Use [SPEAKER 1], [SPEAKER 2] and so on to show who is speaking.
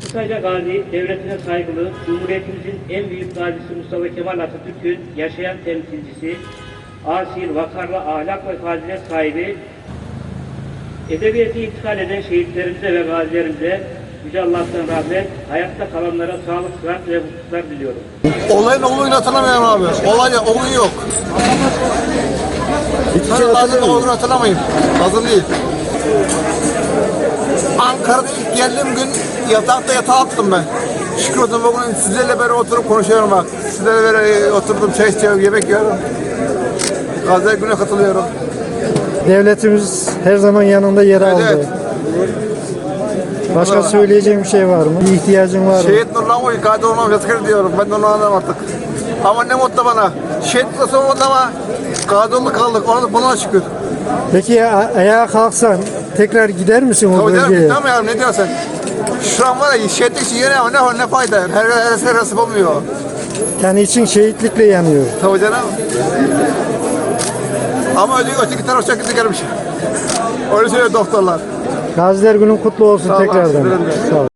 [SPEAKER 1] Kısaca Gazi, devletine saygılı, Cumhuriyetimizin en büyük gazisi Mustafa Kemal Atatürk'ün yaşayan temsilcisi, asil, vakarlı ahlak ve fazilet sahibi, ebediyete intikal eden şehitlerimize ve gazilerimize Yüce Allah'tan rahmet, hayatta kalanlara sağlık, sıhhat ve mutluluklar diliyorum.
[SPEAKER 2] Olayın olduğunu hatırlamıyorum abi. Olay yok.
[SPEAKER 3] Hiçbir şey
[SPEAKER 2] Lazım
[SPEAKER 3] hatırlamıyorum.
[SPEAKER 2] olduğunu hatırlamayın. Lazım değil. Ankara'da ilk geldiğim gün yatağa attım ben. Şükür olsun bugün sizlerle beraber oturup konuşuyorum bak. Sizlerle beraber oturdum, çay içiyorum, yemek yiyorum. Gaziler Günü'ne katılıyorum.
[SPEAKER 3] Devletimiz her zaman yanında yer aldı.
[SPEAKER 2] Evet.
[SPEAKER 3] Başka söyleyeceğim bir şey var mı? Bir ihtiyacın var mı?
[SPEAKER 2] Şehit Nurlan Oy, kadir olmam yazık diyorum. Ben de onu anlarım artık. Ama ne mutlu bana. Şehit nasıl olmadı ama kadir kaldık. Ona da buna şükür.
[SPEAKER 3] Peki ya ayağa kalksan tekrar gider misin o
[SPEAKER 2] Tabii
[SPEAKER 3] bölgeye?
[SPEAKER 2] canım, tamam ya, ne diyorsun sen? Şu an var ya, şehitlik için yine ne fayda? Her nasip olmuyor.
[SPEAKER 3] Yani için şehitlikle yanıyor.
[SPEAKER 2] Tabii canım. Ama öteki taraf çok kötü gelmiş. Öyle söylüyor doktorlar.
[SPEAKER 3] Gaziler Günün kutlu olsun
[SPEAKER 2] Sağ ol,
[SPEAKER 3] tekrardan.
[SPEAKER 2] sizlerin de.
[SPEAKER 3] Sağ ol.